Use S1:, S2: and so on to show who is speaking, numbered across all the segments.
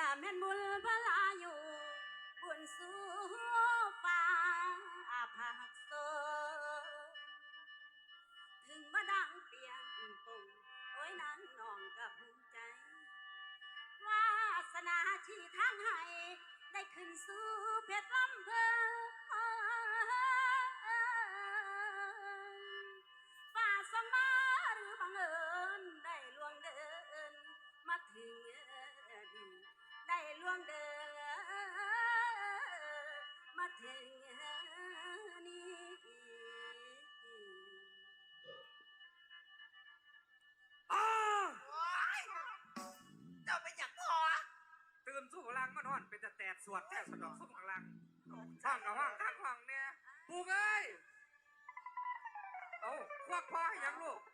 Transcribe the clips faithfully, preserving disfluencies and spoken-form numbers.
S1: ละแม่นบุญพลาอยู่บุญสู่ฟ้าผักโซถึงมาดังเปียงปุ่งโอ้ยนางน้องกับภูมิใจวาสนาชีทางให้ได้ขึ้นสู่เพชรลำเพลินฝ่าส่งมาหรือบังเอิญได้ล่วงเดินมาถึงได้ล่วงเดินมาถึงนี้
S2: เจ้าเป็นอย่างพอ
S3: ตื่นสู้พลังมานอนเป็นแต่แตดสวดแต่สนองสู้พลังห้องกับห้องข้างห้องเนี่ยปูเอ้ยเอาควักพ่อให้ยังลูก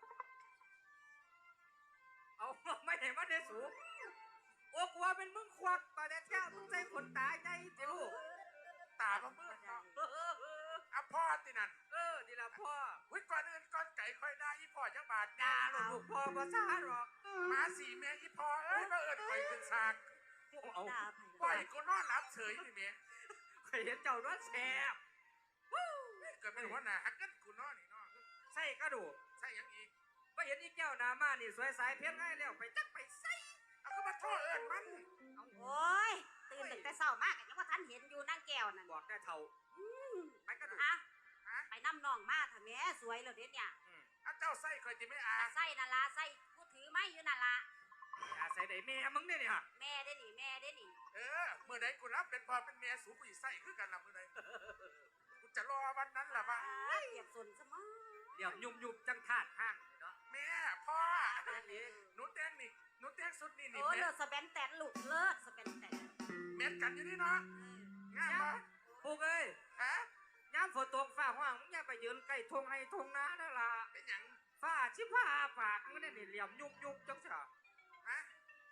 S3: เอาไม่เห็นว่าเดสูโอ้กลัวเป็นมึงควักตาเด็ดแก้วมึงใจขนตาใจเจ้าลูก
S2: ตาของมึงอ่ะพ่อตินั่น
S3: เออดีละพ่อ
S2: วิก่อนอื่นก่อนไก่ค่อยได้อีพ่อจังบาท
S3: ดาลูกพ่อภาษาหรอก
S2: มาสี่เมียอีพ่อเอ้ยมาเอิญคอยขึ้นซาก
S3: เอา
S2: ปล่อยกูนอนหลับเฉยนี่เมีย
S3: เคยเห็นเจ้าน้อยแสบ
S2: เกิดเป็นหัวหน้าฮักกันกูนอนนี่นอน
S3: ใส่กระดูก
S2: ใส่ยังอีก
S3: ว่าเห็นอีแก้วนามานี่สวยสายเพชรง่ายแล้วไปจักไปใส่
S2: เอาก็มาโทษเอิญมัน
S1: โอ้ยตื่นตั้งแต่เช้ามากยังว่าท่านเห็นอยู่นั่งแก้วนั่น
S3: บอกได้เท่า
S1: ไปกระดูกไปน้ำนองมาเถอะแม่สวยเลยเด็ดเนี่ย
S2: อ่ะเจ้าใส่คอยจะไม่อา
S1: ใส่นั่นละใส่กูถือไม้อยู่นั่นละ
S3: อาใส่ได้แม่มึงเนี่ยนี่ฮะ
S1: แม่ได้หนิแม่ได้หนิ
S2: เออเมื่อใดกูรับเป็นพ่อเป็นแม่สูกูใส่คือกันละเมื่อใดกูจะรอวันนั้นละวะ
S1: เก็บส่วนสมอง
S3: เดี๋ยวยุบยุบจังทาดห้างเนาะ
S2: แม่พ่อหนูแตงนี่หนูแตงสุดนี่นี่
S1: โอ้เลิศสเปนแตนลูกเลิศสเปนแตน
S2: เม็ดกันอยู่นี่เนาะง่ายมั้ย
S3: ปุ๊กเอ้ย
S2: ฮะ
S3: ย้ำฝนตกฟ้าห้างมึงอย่าไปยืนใกล้ทงให้ทงนาแล้วล่ะ
S2: เป็นหยัง
S3: ฟ้าชิพ้าปากมึงเนี่ยเหลี่ยมยุบยุบจังเสีย
S2: ฮะ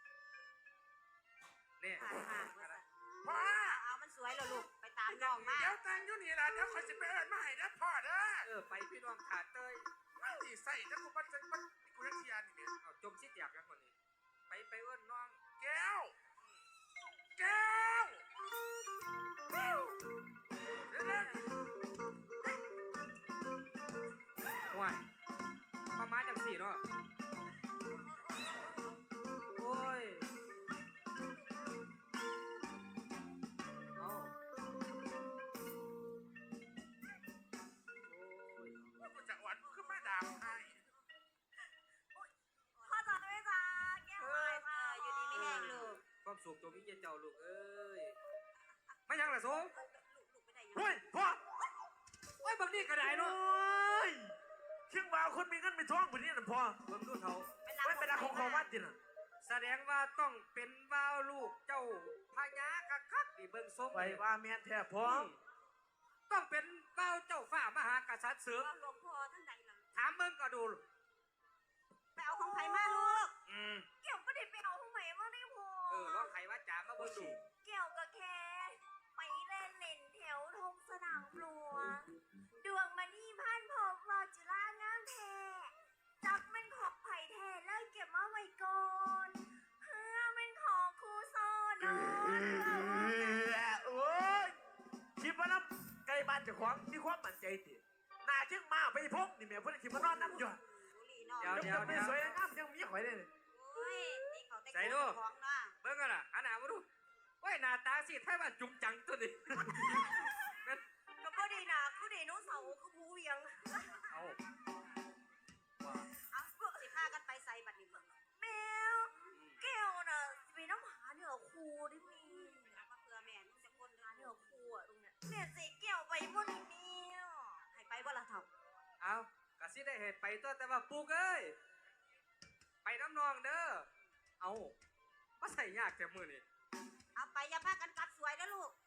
S3: เนี่ย
S2: พ่อ
S1: เอามันสวยเลยลูกไปตามน้องมา
S2: เดี๋ยวแต่งอยู่นี่แหละเดี๋ยวคอยจะไปเอิญมาให้นะพ่อเด้อ
S3: เออไปพี่น้องขาดเตย
S2: ไม่ตีใส่ถ้ากูมันจะมันกูจะเทียนนี่เนี่ย
S3: เอาจมชิดอยากกันคนนี้ไปไปเอิญน้อง
S2: แก้วแก้วแก้วเดี๋ยวนะ
S3: ว้ายมามาจากสี่เนาะโอ้ยเอา
S2: โอ้ยกูจะหวานกูขึ้นมาด่าให้
S1: พ่อจ๋าด้วยจ้าแก้วไปค่ะอยู่ดีไม่แห้งลูก
S3: ความสุขตัวพี่เจ้าลูกเอ้ยไม่ยังล่ะโซ่
S2: เฮ้ยพ่อ
S3: โอ้ยบางนี่กระไดเนาะ
S2: เชียงบ่าวคนมีเงินมีทองแบบนี้นะพ่อ
S3: เบิ่งดูเท่า
S2: ไม่เป็นอะไรของเขาวัดจิน่ะ
S3: แสดงว่าต้องเป็นบ่าวลูกเจ้าพญาคักคักนี่เบิ่งทรง
S2: ไปว่าแม่แท้พ่อ
S3: ต้องเป็นบ่าวเจ้าฝ่ามหากษัตริย์เสือ
S1: หลวงพ่อท่านใดล่ะ
S3: ถามเบิ่งก็ดู
S1: ไปเอาของไผ่มาลูก
S3: อืม
S1: เกี่ยวก็ได้ไปเอาของไผ่มาได้พ่อ
S3: เออร้องไผ่ว่าจ๋ามาเบิ่งดู
S1: เกี่ยวกับแค่ไปเล่นเล่นแถวทงสนามหลวงดวงมานี่พันพบวาจุฬางามแท้จักมันขอบไผ่แท้เลยเก็บมาไว้ก่อนเพื่อมันขอครูโซนอน
S2: โอ้ยคิดว่าน้ำไก่บ้านจะขวางมีความมั่นใจติน่าเชื่อมาไปพกนี่แม่เพื่อนคิดว่านอนน้ำหยด
S3: เดี๋ยวเดี๋ยวเดี๋ยว
S2: สวยงามยังมีหอยเลย
S3: ใส่ดูเบิ่งกันล่ะอันหนามาดูว้ยหน้าตาสิแท้ว่าจุงจังตัวนี้
S1: ก็พอดีนะคือเดโนเสาร์คือผู้เวียง
S3: เอา
S1: เอาสิพากันไปใส่บัตรนี่เบิ่งแมวแก้วน่ะมีน้ำหาเนื้อคู่ได้มีมาเผื่อแม่มึงจะคนหาเนื้อคู่อ่ะตรงเนี้ยแม่สิแก้วไปบ่ได้แมวให้ไปบ่ล่ะเฒ่า
S3: เอากะสิได้เฮ็ดไปตัวแต่ว่าปุ๊กเอ้ยไปน้ำนองเด้อเอาบ่ใส่ยากแต่มื้อนี้
S1: เอาไปอย่าพากันกลับสวยนะลูก